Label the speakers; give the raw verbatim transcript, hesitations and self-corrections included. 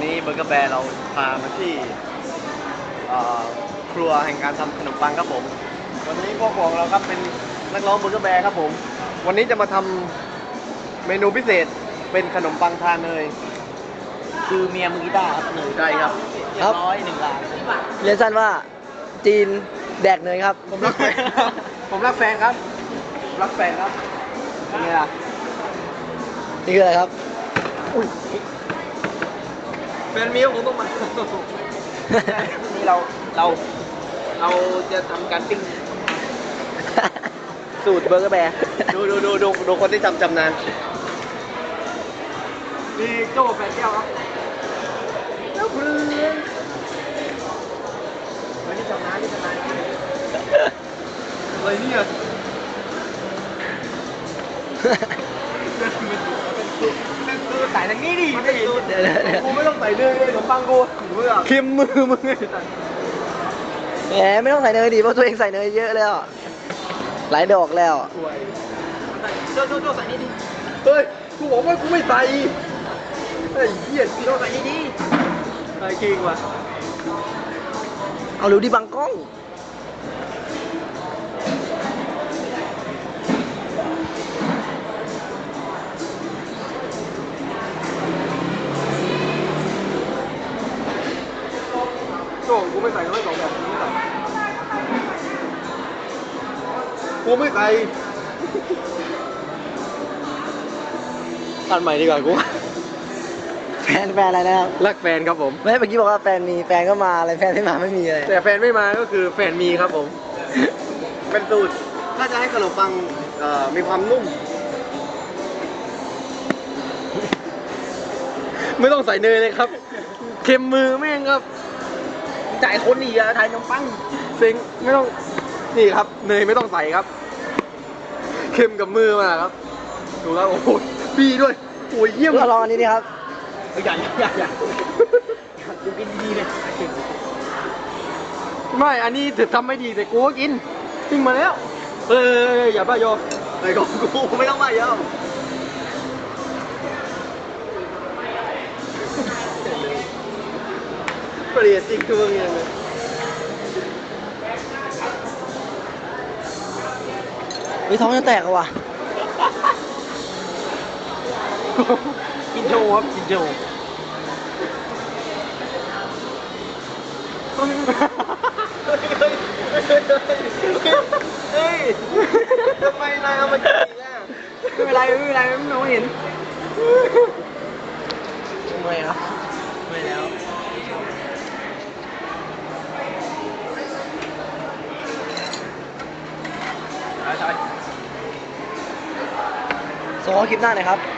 Speaker 1: นี้เบอร์เกอร์แบร์เราพามาที่ครัวแห่งการทำขนมปังครับผมวันนี้พวกของเราครับเป็นนักร้องเบอร์เกอร์แบร์ครับผมวันนี้จะมาทำเมนูพิเศษเป็นขนมปังทาเนย
Speaker 2: คือเมียมือกีตาร์ครับเนย
Speaker 1: ใช่ครับ
Speaker 2: เรียบร้อยหนึ่งล้าน
Speaker 3: เรียนสั้นว่าจีนแดกเนยครับ
Speaker 1: ผมรักแฟนผมรักแฟนครับรักแฟนครับนี่ล่ะ
Speaker 3: นี่คืออะไรครับ
Speaker 1: แฟนมีผมต้องมา
Speaker 2: นี่เราเราเราจะทำการปิ้งสูตรเบอร์เกอร์แบร์
Speaker 1: ดูดูดูดูดูคนที่จำจำนานนี่โจ้แฟนแก้วครับแล้วเพื่อนวันนี้จำนานที่จำนานอะไรเนี่ยเป็นสูตรใส่ทางนี้ดิเป็นสูตรกูไม่ต้องใส่เนยเลยขนมปังกูเค็มมือมึง
Speaker 3: แหมไม่ต้องใส่เนยดิเพราะตัวเองใส่เนยเยอะแล้วหลายดอกแล้ว
Speaker 2: โจ้โจ้โจ้ใส่นี่ดิ
Speaker 1: เฮ้ยกูบอกว่ากูไม่ใส่ไอ้เหี้ยโจ้ใส่นี่ดิไอ้คิงว่ะ
Speaker 3: เอาเร็วดิบังกล้อง
Speaker 1: โจ้กูไม่ใส่ไม่สองแบบกูไม่ใส่กูไม่ใส่ตัดใหม่ดีกว่ากู
Speaker 3: แฟนแฟนอะไรนะครับ
Speaker 1: รักแฟนครับผม
Speaker 3: ไม่เมื่อกี้บอกว่าแฟนมีแฟนก็มาอะไรแฟนไม่มาไม่มีอะไร
Speaker 1: แต่แฟนไม่มาก็คือแฟนมีครับผมเป็นสูตรถ้าจะให้ขนมปังมีความนุ่มไม่ต้องใส่เนยเลยครับเค็มมือแม่งครับ
Speaker 2: จ่ายคนอีกอะถ่ายขนมปัง
Speaker 1: เซ็งไม่ต้องนี่ครับเนยไม่ต้องใส่ครับเค็มกับมือมาครับดูแล้วโอ้โหปีด้วยโอ้ยเยี่ยม
Speaker 3: ลองอันนี้ดิครับ
Speaker 2: อย่าอย่าอย่าดูกินดีเลย
Speaker 1: ไม่อันนี้ถือทำไม่ดีแต่กูก็กินปิ้งมาแล้วเอออย่าบ้าโยไอ้ของกูไม่ต้องบ้าโยเปลี่ยนจริงตัวเงี้ยเลย
Speaker 3: วิท้องจะแตกอะวะ
Speaker 2: กินโชว์ครับกินโชว์
Speaker 1: เฮ้ยทำไมนายเอามากินอ่ะ
Speaker 2: ไม่เป็นไรไม่เป็นไรไม่มองเห็นไม่ครับไม่แล้ว
Speaker 3: ส่งข้อคลิปหน้าหน่อยครับ